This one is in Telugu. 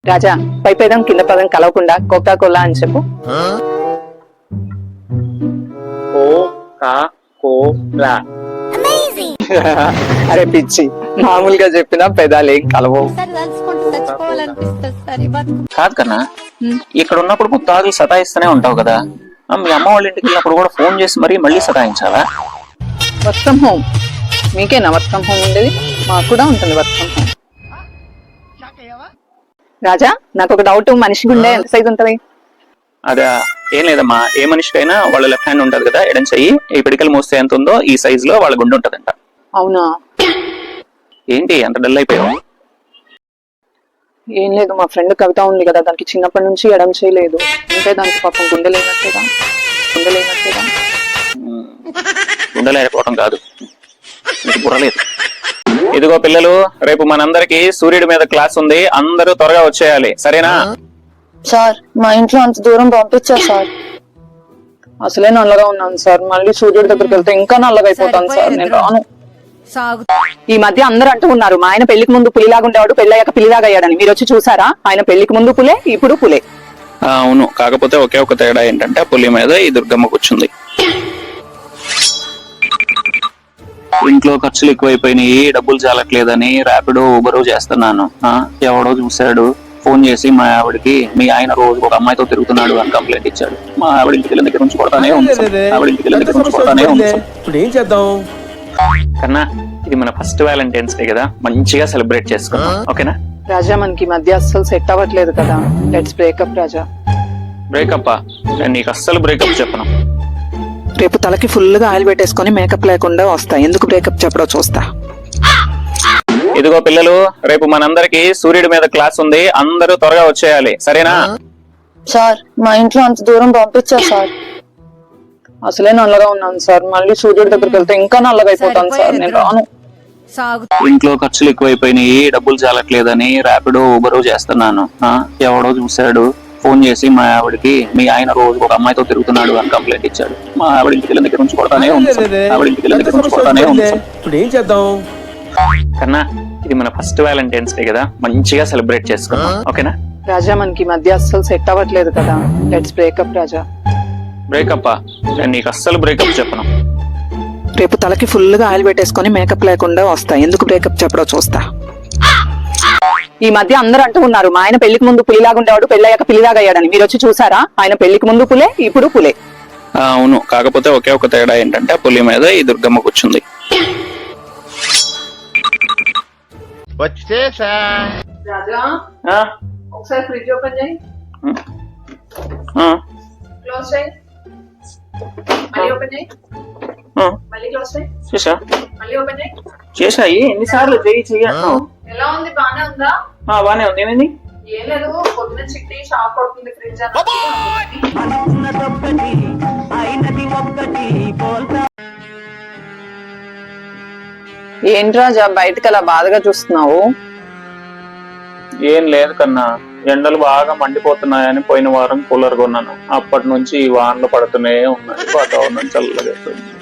రాజా పై పదం కింద పదం కలవకుండా కోకా కోలా అని చెప్పు. కోకా-కోలా. అరే పిచ్చి, మామూలుగా చెప్పినా పెదాలు ఏం కలవవు. కాదు కన్నా, ఇక్కడ ఉన్నప్పుడు ముత్తాదులు సతాయిస్తూనే ఉంటావు కదా, మీ అమ్మ వాళ్ళ ఇంటికి వెళ్ళినప్పుడు కూడా ఫోన్ చేసి మళ్ళీ సతాయించాలా? వర్క్ ఫ్రమ్ హోమ్ మీకేనా వర్క్ ఫ్రమ్ హోమ్ ఉండేది? మాకు కూడా ఉంటుంది వర్క్ ఫ్రమ్ హోమ్. రాజా నాకు ఒక డౌట్, మనిషి గుండె ఎంత సైజ్ ఉంటది? అదా ఏం లేదమ్మా, ఏ మనిషికైనా వాళ్ళ లెఫ్ట్ హ్యాండ్ ఉంటది కదా, ఎడం చెయ్యి, ఈ పిడికలు మోస్తే ఎంత ఉందో ఈ సైజ్ లో వాళ్ళ గుండె ఉంటదంట. అవునా? ఏంటి అంత డల్ అయిపోయావు? ఏం లేదు, మా ఫ్రెండ్ కవిత ఉంది కదా, దానికి చిన్నప్పటి నుంచి ఎడం చేయలేదు, అంటే దానికి పాపం గుండె లేనట్టేదా? గుండె లేకపోవడం కాదు, నీకు బుర్రలేదు. ఇదిగో పిల్లలు, రేపు మనందరికి సూర్యుడి మీద క్లాస్ ఉంది, అందరూ త్వరగా వచ్చేయాలి, సరేనా? సార్ మా ఇంట్లో అంత దూరం పంపించారు సార్. అసలే నల్లగా ఉన్నాను సార్, మళ్ళీ సూర్యుడి దగ్గరికి వెళ్తే ఇంకా నల్లగా అయిపోతాను సార్, నేను రాను. ఈ మధ్య అందరూ అంటూ ఉన్నారు, మా ఆయన పెళ్లికి ముందు పులిలాగా ఉండేవాడు, పెళ్ళయ్యాక పిల్లిలాగా అయ్యాడని. మీరు వచ్చి చూసారా? ఆయన పెళ్లికి ముందు పులే, ఇప్పుడు పులే. అవును, కాకపోతే ఒకే ఒక తేడా ఏంటంటే పులి మీద ఈ దుర్గమ్మ కూర్చుంది. ఇంట్లో ఖర్చులు ఎక్కువైపోయినాయి, డబ్బులు చాలట్లేదని ర్యాపిడో ఊబరు చేస్తున్నాను. ఎవడో చూశాడు, ఫోన్ చేసి మా ఆవిడికి మీ ఆయన రోజు ఒక అమ్మాయితో తిరుగుతున్నాడు అని కంప్లైంట్ ఇచ్చాడు. మా ఆవిడ ఇంటికి వెళ్ళిన దగ్గర నుంచి కొడతానే ఉంది. ఇప్పుడు ఏం చేద్దాం కన్నా, ఇది మన ఫస్ట్ వ్యాలంటైన్స్ డే కదా, మంచిగా సెలబ్రేట్ చేసుకున్నాం, ఓకేనా? రాజా మనకి మధ్య అస్సలు సెట్ అవ్వట్లేదు కదా, లెట్స్ బ్రేకప్ రాజా. బ్రేకప్? నేను నీకు అస్సలు బ్రేకప్ చెప్పను. రేపు తలకి ఫుల్ గా ఆయిల్ పెట్టేసుకుని మేకప్ లేకుండా వస్తా, ఎందుకు బ్రేకప్ చెప్పడో చూస్తా. ఇదిగో పిల్లలు, రేపు మనందరికి సూర్యుడి మీద క్లాస్ ఉంది, అందరూ త్వరగా వచ్చేయాలి, సరేనా? సార్ మా ఇంట్లో అంత దూరం పంపించారు సార్. అసలే నల్లగా ఉన్నాను సార్, మళ్ళీ సూర్యుడి దగ్గరికి వెళ్తే ఇంకా నల్లగా అయిపోతాను సార్, నేను రాను. ఇంట్లో ఖర్చులు ఎక్కువైపోయినాయి, డబ్బులు చాలట్లేదని ర్యాపిడో ఊబరు చేస్తున్నాను. ఎవడో చూశాడు, ఫోన్ చేసి మా ఆవిడికి మీ ఆయన రోజు ఒక అమ్మాయితో తిరుగుతున్నాడు అని కంప్లైంట్ ఇచ్చాడు. మా ఆవిడ ఇంటికి వెళ్ళిన దగ్గర నుంచి కొడతానే ఉంది. ఇప్పుడు ఏం చేద్దాం కన్నా, ఇది మన ఫస్ట్ వ్యాలంటైన్స్ డే కదా, మంచిగా సెలబ్రేట్ చేసుకున్నాం, ఓకేనా? రాజా మనకి మధ్య అస్సలు సెట్ అవ్వట్లేదు కదా, లెట్స్ బ్రేకప్ రాజా. బ్రేకప్? నేను నీకు అస్సలు బ్రేకప్ చెప్పను. రేపు తలకి ఫుల్ గా ఆయిల్ పెట్టేసుకుని మేకప్ లేకుండా వస్తా, ఎందుకు బ్రేకప్ చెప్పడో చూస్తా. ఈ మధ్య అందరూ అంటూ ఉన్నారు, మా ఆయన పెళ్లికి ముందు పులిలాగా ఉండేవాడు, పెళ్ళయ్యాక పిల్లిలాగా అయ్యాడని. మీరు వచ్చి చూసారా? ఆయన పెళ్లికి ముందు పులే, ఇప్పుడు పులే. అవును, కాకపోతే ఒకే ఒక తేడా ఏంటంటే పులి మీద ఈ దుర్గమ్మ కూర్చుంది. రాజా ఒకసారి ఫ్రిడ్జ్ ఓపెన్ చేయి, క్లోజ్ చేయి, మళ్ళీ ఓపెన్ చేయి, మళ్ళీ క్లోజ్ చేయి, మళ్ళీ ఓపెన్ చేయి. చేసాయి ఎన్నిసార్లు చెయ్యను. ఎలా ఉంది? బానే ఉందా? బానే ఉంది. ఏమైంది? ఏం లేదు, పొద్దున చిట్టి షాక్ అవుతుంది ఫ్రిడ్జ్ అని. ఏంటి రాజా బయటకు అలా బాధగా చూస్తున్నావు? ఏం లేదు కన్నా, ఎండలు బాగా మండిపోతున్నాయని పోయిన వారం కూలర్ కొన్నాను, అప్పటి నుంచి ఈ వానలు పడుతూనే ఉన్నాయి, వాతావరణం చల్లగా అయిపోయింది.